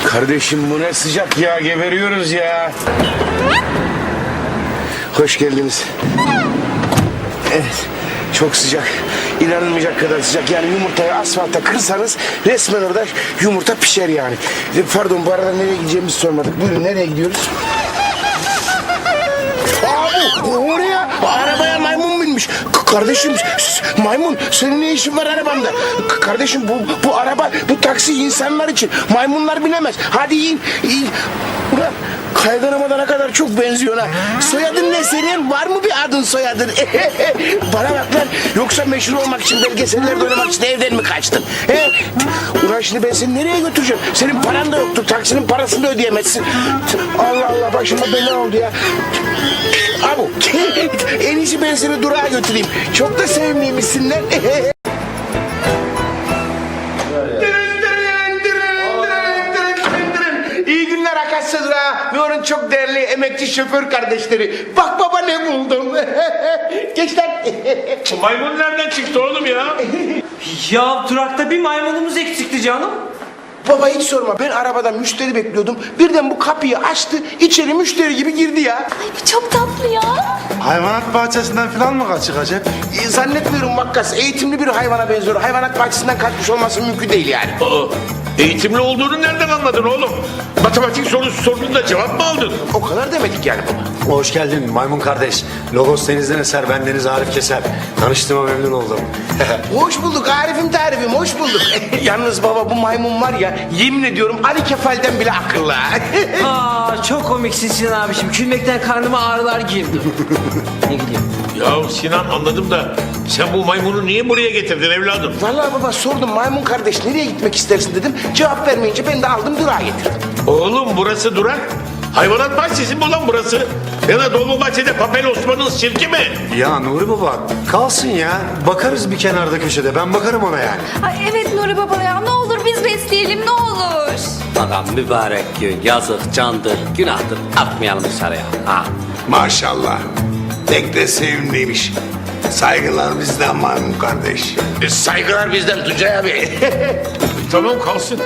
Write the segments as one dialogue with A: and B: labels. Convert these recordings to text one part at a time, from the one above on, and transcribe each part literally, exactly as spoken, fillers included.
A: Kardeşim bu ne sıcak ya, geberiyoruz ya. Hoş geldiniz. Evet, çok sıcak. İnanılmayacak kadar sıcak. Yani yumurtayı asfalta kırsanız resmen orada yumurta pişer yani. Pardon, bu arada nereye gideceğimizi sormadık. Buyurun, nereye gidiyoruz? Aa, bu, oraya arabaya maymun binmiş. K- Kardeşim, s- maymun senin ne işin var arabamda? K- Kardeşim bu bu araba, bu taksi insanlar için. Maymunlar binemez. Hadi in, in. Ulan Kaygan Ramazan'a kadar çok benziyor ha. Soyadın ne senin? Var mı bir adın soyadın? Bana bak lan. Yoksa meşhur olmak için, belgesellerde oynamak için evden mi kaçtın? He? Ulan şimdi ben seni nereye götüreceğim? Senin paran da yoktur. Taksinin parasını da ödeyemezsin. Allah Allah, başıma bela oldu ya. Abu, en iyisi ben seni durağa götüreyim. Çok da sevimliymişsin lan. İyi günler Akasya Durağı ve onun çok değerli emekçi şoför kardeşleri. Bak baba ne buldum. Geç lan.
B: Maymun nereden çıktı oğlum ya?
C: Ya durakta bir maymunumuz eksikti canım.
A: Baba hiç sorma, ben arabada müşteri bekliyordum. Birden bu kapıyı açtı, içeri müşteri gibi girdi ya.
D: Ay bu çok tatlı ya.
E: Hayvanat bahçesinden falan mı kaçık acaba?
A: E, zannetmiyorum Vakkas, eğitimli bir hayvana benziyor. Hayvanat bahçesinden kaçmış olması mümkün değil yani.
B: Aa, eğitimli olduğunu nereden anladın oğlum? Matematik sorusu sorduğunda cevap mı aldın?
A: O kadar demedik yani baba.
E: Hoş geldin maymun kardeş. Logos denizden eser, bendeniz Arif Keser. Tanıştığıma memnun oldum.
A: Hoş bulduk Arif'im tarifim, hoş bulduk. Yalnız baba bu maymun var ya, yemin ediyorum Ali Kefal'den bile akıllı.
C: Aa çok komiksin Sinan abiciğim. Gülmekten karnıma ağrılar girdi. Ne gidiyor?
B: Ya Sinan anladım da sen bu maymunu niye buraya getirdin evladım?
A: Vallahi baba sordum, maymun kardeş nereye gitmek istersin dedim. Cevap vermeyince ben de aldım durağa getirdim.
B: Oğlum burası durak. Hayvanat bahçesi mi ulan burası? Ya da Dolmabahçe'de Papel Osman'ın sirki mi?
E: Ya Nuri Baba kalsın ya. Bakarız bir kenarda köşede. Ben bakarım ona yani.
D: Ay evet Nuri baba ya, ne olur biz besleyelim ne olur.
F: Adam mübarek gün, yazık, candır, günahtır. Atmayalım dışarıya. Ha.
G: Maşallah. Pek de sevimliymiş. Saygılar bizden maymun kardeş.
A: E, saygılar bizden Tuncay abi.
B: Tamam kalsın.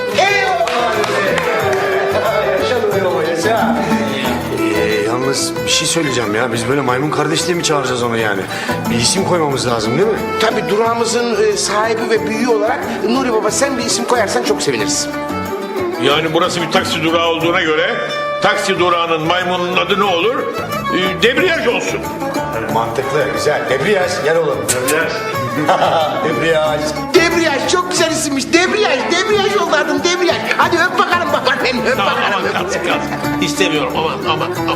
E: Ee, yalnız bir şey söyleyeceğim ya. Biz böyle maymun kardeş diye mi çağıracağız onu yani? Bir isim koymamız lazım değil mi?
A: Tabii durağımızın e, sahibi ve büyüğü olarak Nuri baba sen bir isim koyarsan çok seviniriz.
B: Yani burası bir taksi durağı olduğuna göre taksi durağının maymunun adı ne olur? Ee, debriyaj olsun.
E: Mantıklı, güzel. Debriyaj, gel oğlum.
B: Debriyaj.
E: Debriyaj.
A: Debriyaj çok güzel isimmiş. Debriyaj, debriyaj oldu adın debriyaj. Hadi öp bakalım babaannem, öp
B: Tamam
A: bakalım.
B: aman
A: öp.
B: kalsın kalsın. İstemiyorum aman aman aman.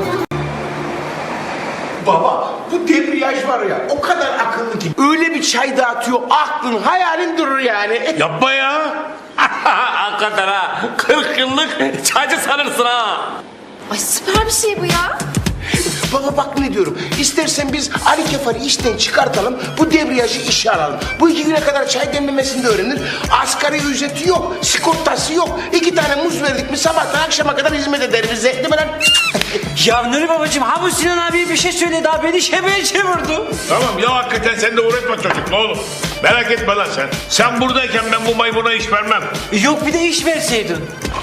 A: Baba bu debriyaj var ya o kadar akıllı ki. Öyle bir çay dağıtıyor aklın hayalin durur yani.
B: Yapma ya.
F: Hakikaten ha. Kırk yıllık çaycı sanırsın ha.
D: Ay süper bir şey bu ya.
A: Baba bak ne diyorum. İstersen biz Ali Kefal'i işten çıkartalım. Bu debriyajı işe alalım. Bu iki güne kadar çay demlemesini de öğrenir. Asgari ücreti yok. Sigortası yok. İki tane muz verdik mi sabahtan akşama kadar hizmet eder bize. Değil mi lan?
C: Ya Nuri babacığım ha bu Sinan abi bir şey söyledi daha beni şebeye çevirdi.
B: Tamam ya hakikaten sen de uğraşma çocukla oğlum. Merak etme lan sen. Sen buradayken ben bu maymuna iş vermem.
C: Yok bir de iş verseydin.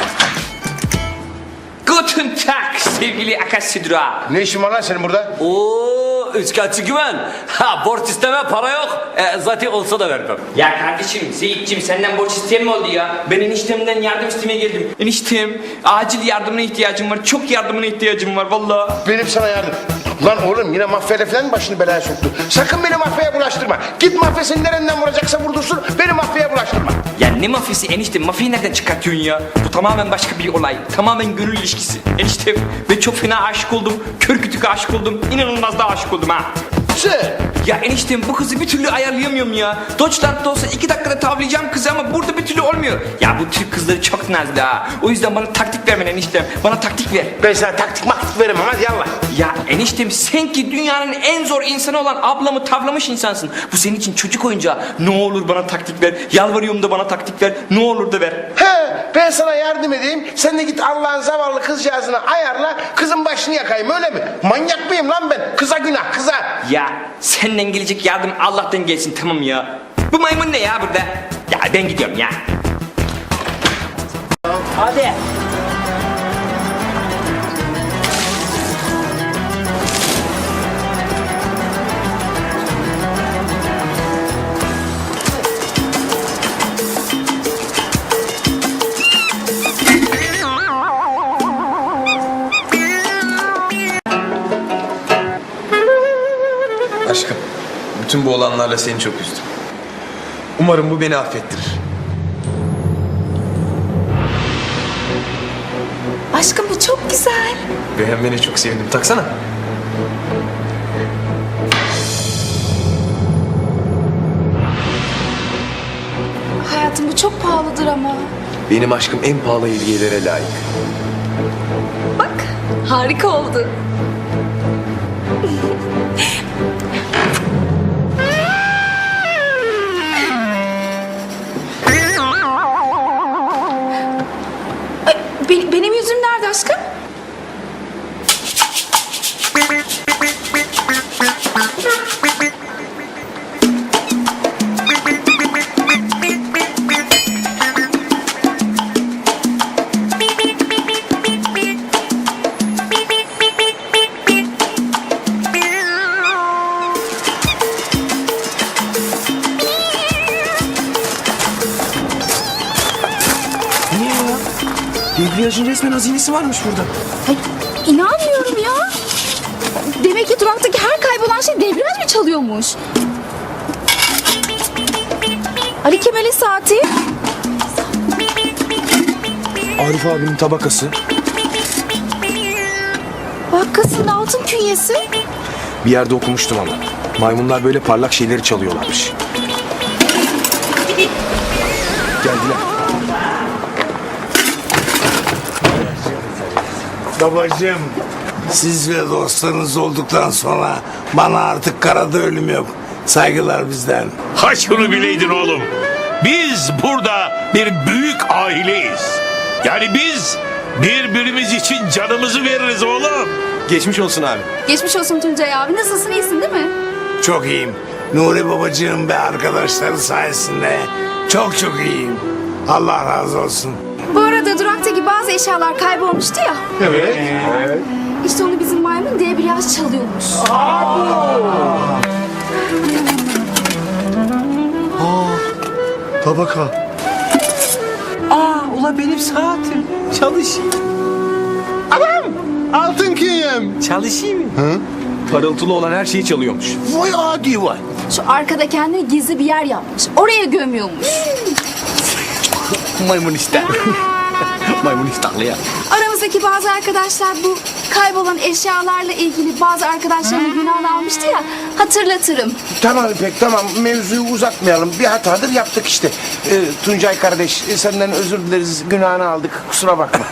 F: Guten Tag sevgili Akasya Durağı.
A: Ne işin var lan senin burada?
F: Oo, üçkağıtçı güven. Ha, borç isteme para yok. E, zaten olsa da vermem.
H: Ya kardeşim Seyitciğim senden borç isteyen mi oldu ya? Ben eniştemden yardım istemeye geldim. Eniştem acil yardımına ihtiyacım var. Çok yardımına ihtiyacım var vallahi.
A: Benim sana yardım. Lan oğlum yine mafyayla falan mı başını belaya soktu? Sakın beni mafyaya bulaştırma. Git mafya seni nereden vuracaksa vurdursun. Beni mafyaya bulaştırma.
H: Ya ne mafyası eniştem? Mafyayı nereden çıkartıyorsun ya? Bu tamamen başka bir olay. Tamamen gönül ilişkisi. Eniştem ben çok fena aşık oldum. Kör kütük aşık oldum. İnanılmaz da aşık oldum ha.
A: Sen.
H: Ya eniştem bu kızı bir türlü ayarlayamıyorum ya. Deutschland'da olsa iki dakikada tavlayacağım kızı ama burada bir türlü olmuyor. Ya bu Türk kızları çok nazlı ha. O yüzden bana taktik vermen eniştem. Bana taktik ver.
A: Ben sana taktik maktik veremem hadi yallah.
H: Ya eniştem sen ki dünyanın en zor insanı olan ablamı tavlamış insansın. Bu senin için çocuk oyuncağı. Ne olur bana taktik ver. Yalvarıyorum da bana taktik ver. Ne olur da ver.
A: He, ben sana yardım edeyim. Sen de git Allah'ın zavallı kızcağızını ayarla. Kızın başını yakayım öyle mi? Manyak mıyım lan ben? Kıza günah kıza.
H: Ya senden gelecek yardım Allah'tan gelsin tamam ya. Bu maymun ne ya burada? Ya ben gidiyorum ya.
C: Hadi.
I: Aşkım, bütün bu olanlarla seni çok üzdüm. Umarım bu beni affettirir.
D: Aşkım bu çok güzel.
I: Beğenmene çok sevindim. Taksana.
D: Hayatım bu çok pahalıdır ama.
I: Benim aşkım en pahalı hediyelere layık.
D: Bak harika oldu. Ay, be- benim yüzüm nerede aşkım?
I: Niye ya? Debriyajın resmen hazinesi varmış burada.
D: Ay, inanmıyorum ya. Demek ki duraktaki her kaybolan şey debriyaj mı çalıyormuş? Ali Kemal'in saati.
I: Arif abinin tabakası.
D: Bakkasının altın künyesi.
I: Bir yerde okumuştum ama. Maymunlar böyle parlak şeyleri çalıyorlarmış. Geldiler.
G: Babacığım, siz ve dostlarınız olduktan sonra bana artık karada ölüm yok. Saygılar bizden.
B: Ha şunu bileydin oğlum. Biz burada bir büyük aileyiz. Yani biz birbirimiz için canımızı veririz oğlum.
I: Geçmiş olsun abi.
D: Geçmiş olsun Tuncay abi. Nasılsın, iyisin değil mi?
G: Çok iyiyim. Nuri babacığım ve arkadaşları sayesinde çok çok iyiyim. Allah razı olsun.
D: Bu arada duraktaki bazı eşyalar kaybolmuştu ya.
G: Evet.
D: İşte onu bizim maymun debriyaj çalıyormuş.
I: Tabaka.
C: Aa ula benim saatim. Çalışayım.
A: Altın künyem.
C: Çalışayım mı?
I: Parıltılı olan her şeyi çalıyormuş.
A: Vay adi vay.
D: Şu arkada kendine gizli bir yer yapmış. Oraya gömüyormuş.
I: Maymun ister. Maymun iştahlı ya.
D: Aramızdaki bazı arkadaşlar bu kaybolan eşyalarla ilgili bazı arkadaşlarının günahını almıştı ya. Hatırlatırım.
A: Tamam İpek tamam mevzuyu uzatmayalım. Bir hatadır yaptık işte. Ee, Tuncay kardeş e, senden özür dileriz. Günahını aldık. Kusura bakma.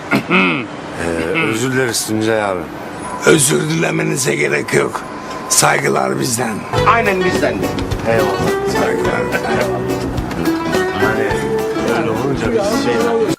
E: Özür dileriz Tuncay abi.
G: Özür dilemenize gerek yok. Saygılar bizden.
A: Aynen bizden de.
G: Saygılar bizden.
E: Hani öyle olunca biz şey...